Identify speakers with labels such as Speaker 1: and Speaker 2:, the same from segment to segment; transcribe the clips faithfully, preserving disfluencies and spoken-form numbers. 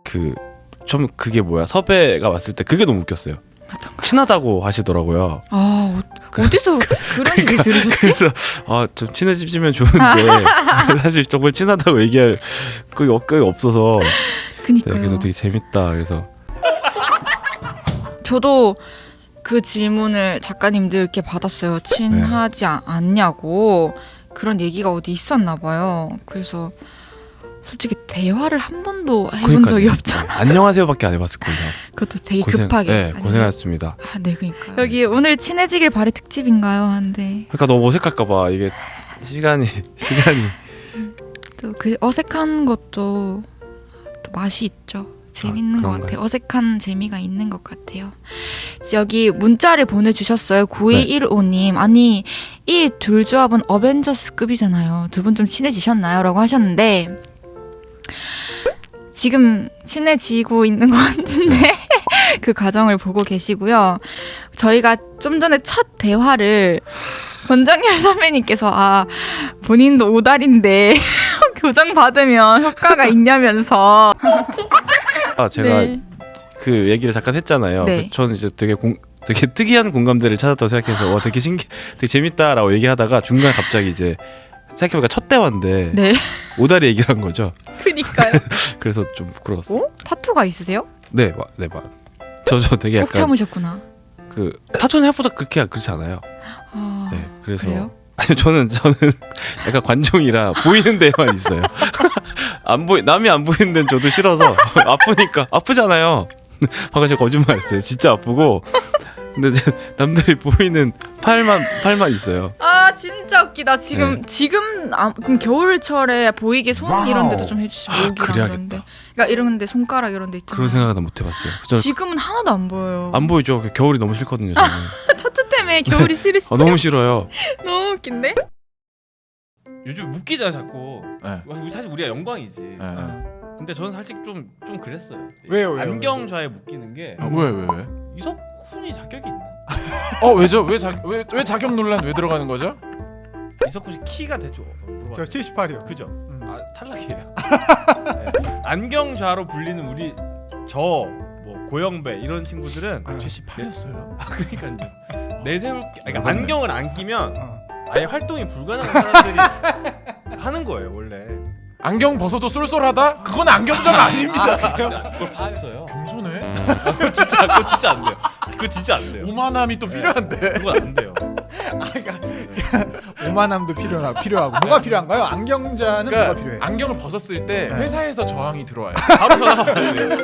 Speaker 1: 그 좀 그게 뭐야 섭외가 왔을 때 그게 너무 웃겼어요. 친하다고 하시더라고요.
Speaker 2: 아 어, 어디서 그런 얘기 들으셨지?
Speaker 1: 그래서 아, 좀 친해지면 좋은데 사실 정말 친하다고 얘기할 그게 없- 그게 없어서 네,
Speaker 2: 그니까요.
Speaker 1: 그래서 되게 재밌다. 그래서
Speaker 2: 저도 그 질문을 작가님들께 받았어요. 친하지 아- 않냐고 그런 얘기가 어디 있었나 봐요. 그래서 솔직히 대화를 한 번도 해본
Speaker 1: 그러니까요.
Speaker 2: 적이 없잖아.
Speaker 1: 안녕하세요밖에 안 해봤을 거예요.
Speaker 2: 그것도 되게
Speaker 1: 고생,
Speaker 2: 급하게.
Speaker 1: 네,
Speaker 2: 아니면-
Speaker 1: 고생하셨습니다.
Speaker 2: 아, 네, 그러니까 여기 오늘 친해지길 바래 특집인가요? 한데
Speaker 1: 그러니까 너무 어색할까봐 이게 시간이 시간이
Speaker 2: 또 그 어색한 것도 또 맛이 있죠. 재밌는
Speaker 1: 아,
Speaker 2: 것
Speaker 1: 그런가요?
Speaker 2: 같아요. 어색한 재미가 있는 것 같아요. 여기 문자를 보내주셨어요. 구이일오님. 아니 이 둘 조합은 어벤져스급이잖아요. 두 분 좀 친해지셨나요? 라고 하셨는데 지금 친해지고 있는 것 같은데 그 과정을 보고 계시고요. 저희가 좀 전에 첫 대화를 권정열 선배님께서 아 본인도 오달인데 교정 받으면 효과가 있냐면서
Speaker 1: 아 제가
Speaker 2: 네.
Speaker 1: 그 얘기를 잠깐 했잖아요.
Speaker 2: 네.
Speaker 1: 그 저는 이제 되게 공, 되게 특이한 공감대를 찾았다고 생각해서 와 되게 신기, 되게 재밌다라고 얘기하다가 중간 에 갑자기 이제 생각해보니까 첫 대화인데
Speaker 2: 네.
Speaker 1: 오다리 얘기를 한 거죠.
Speaker 2: 그니까요.
Speaker 1: 그래서 좀 부끄러웠어요.
Speaker 2: 어? 타투가 있으세요?
Speaker 1: 네, 마, 네, 마. 저저 되게
Speaker 2: 꼭
Speaker 1: 약간
Speaker 2: 참으셨구나.
Speaker 1: 그 타투는 생각보다 그렇게 그렇지 않아요.
Speaker 2: 아,
Speaker 1: 네, 그래서
Speaker 2: 그래요?
Speaker 1: 아니 저는 저는 약간 관종이라 보이는 데만 있어요. 안 보이 남이 안 보이는 데는 저도 싫어서 아프니까 아프잖아요. 방금 제가 거짓말했어요. 진짜 아프고 근데 남들이 보이는 팔만 팔만 있어요.
Speaker 2: 아 진짜 웃기다. 지금
Speaker 1: 네.
Speaker 2: 지금 아, 그럼 겨울철에 보이게 손
Speaker 3: 와우.
Speaker 2: 이런 데도 좀 해주시고 목이랑
Speaker 1: 그래야겠다.
Speaker 2: 이런 데. 그러니까 이런 데 손가락 이런 데 있잖아요.
Speaker 1: 그런 생각은 못 해봤어요. 저
Speaker 2: 지금은 하나도 안 보여요.
Speaker 1: 안 보이죠. 겨울이 너무 싫거든요. 저는.
Speaker 2: 타투 때문에 겨울이 싫으시죠?
Speaker 1: 아, 너무 싫어요.
Speaker 2: 너무 웃긴데?
Speaker 4: 요즘 웃기잖아 자꾸.
Speaker 3: 네.
Speaker 4: 우리 사실 우리가 영광이지.
Speaker 3: 네.
Speaker 4: 어. 근데 저는 사실 좀 좀 그랬어요.
Speaker 3: 왜요, 왜요,
Speaker 4: 안경좌에 묶이는 게
Speaker 3: 아, 왜, 왜, 왜?
Speaker 4: 이석훈이 자격이 있나?
Speaker 3: 어, 왜죠? 왜, 자, 왜, 왜 자격 논란 왜 들어가는 거죠?
Speaker 4: 이석훈 씨 키가 대죠?
Speaker 5: 저 칠십팔이요.
Speaker 4: 그죠?
Speaker 5: 음.
Speaker 4: 아 탈락이에요. 네. 안경좌로 불리는 우리 저 뭐 고영배 이런 친구들은
Speaker 3: 아, 칠십팔이었어요?
Speaker 4: 아 그러니까요. 내세울 게- 그러니까
Speaker 3: 몰랐네.
Speaker 4: 안경을 안 끼면
Speaker 5: 어.
Speaker 4: 아예 활동이 불가능한 사람들이 하는 거예요 원래.
Speaker 3: 안경 벗어도 쏠쏠하다? 그건 안경자가 아닙니다.
Speaker 4: 그걸 봤어요.
Speaker 3: 겸손해?
Speaker 4: 그거 진짜 그거 진짜 안 돼요. 그거 진짜 안 돼요.
Speaker 3: 오만함이 또
Speaker 4: 네.
Speaker 3: 필요한데.
Speaker 4: 그건 안 돼요.
Speaker 5: 아, 그러니까 오만함도 필요하, 필요하고 뭐가 필요한가요? 안경자는
Speaker 3: 그러니까
Speaker 5: 뭐가 필요해?
Speaker 3: 안경을 벗었을 때
Speaker 5: 네.
Speaker 3: 회사에서 저항이 들어와요.
Speaker 4: 바로 전화가 와야 돼요.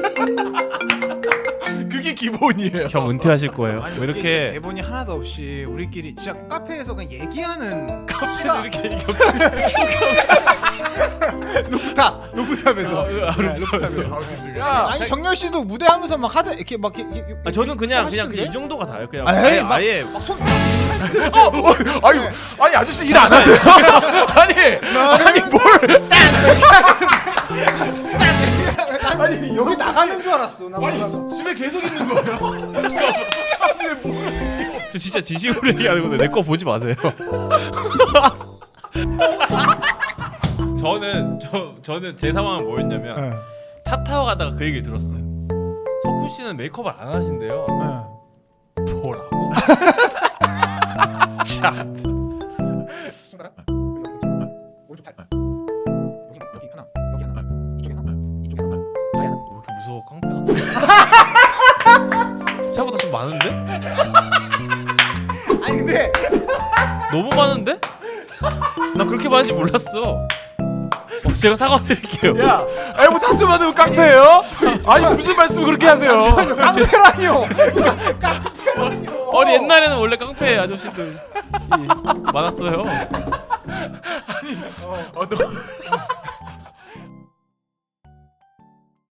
Speaker 3: 그게 기본이에요.
Speaker 4: 형 은퇴하실 거예요.
Speaker 5: 아니,
Speaker 4: 뭐
Speaker 5: 이게
Speaker 4: 이렇게
Speaker 5: 대본이 하나도 없이 우리끼리 진짜 카페에서 그냥 얘기하는
Speaker 4: 카페도 이렇게 얘기하고
Speaker 5: 루프탑 루프탑에서
Speaker 4: 아,
Speaker 5: 네,
Speaker 4: 아,
Speaker 5: 루프탑에서 야 아니 정열 씨도 무대하면서 막 하드 이렇게 막 이렇게, 이렇게
Speaker 4: 아, 저는 그냥 그냥
Speaker 5: 하시던데?
Speaker 4: 그냥 이 정도가 다예요. 그냥
Speaker 5: 아, 에이,
Speaker 4: 아예
Speaker 5: 막-
Speaker 4: 아예
Speaker 5: 막손
Speaker 3: 아유, 아니 아저씨 일 안 하세요? 아니, 아니 뭘?
Speaker 5: 아니 여기 나가는 줄 알았어. 나
Speaker 3: 아니
Speaker 5: 몰라서.
Speaker 3: 집에 계속 있는 거예요? 잠깐만. 아니 왜못 하는 게?
Speaker 4: 저 진짜 진심으로 얘기하는 건데 내 거 보지 마세요. 저는 저 저는 제 상황은 뭐였냐면
Speaker 5: 네.
Speaker 4: 차 타고 가다가 그 얘기를 들었어요. 석훈 씨는 메이크업을 안 하신대요.
Speaker 5: 네.
Speaker 4: 뭐라고? 참.
Speaker 5: 손가락 오른쪽 팔 여기 여기 하나 여기 하나 이쪽에 하나 이쪽에 하나 다리 하나
Speaker 4: 왜 이렇게 무서워 깡패가? 생각보다 좀 많은데?
Speaker 5: 아니 근데
Speaker 4: 너무 많은데? 나 그렇게 많은지 몰랐어. 어, 제가 사과드릴게요.
Speaker 3: 야, 아니 뭐 타투 받으면 깡패예요? 아니 무슨 말씀 그렇게 하세요?
Speaker 5: 깡패라니요.
Speaker 4: 아니 옛날에는 원래 깡패 아저씨들이 많았어요.
Speaker 3: 어, 너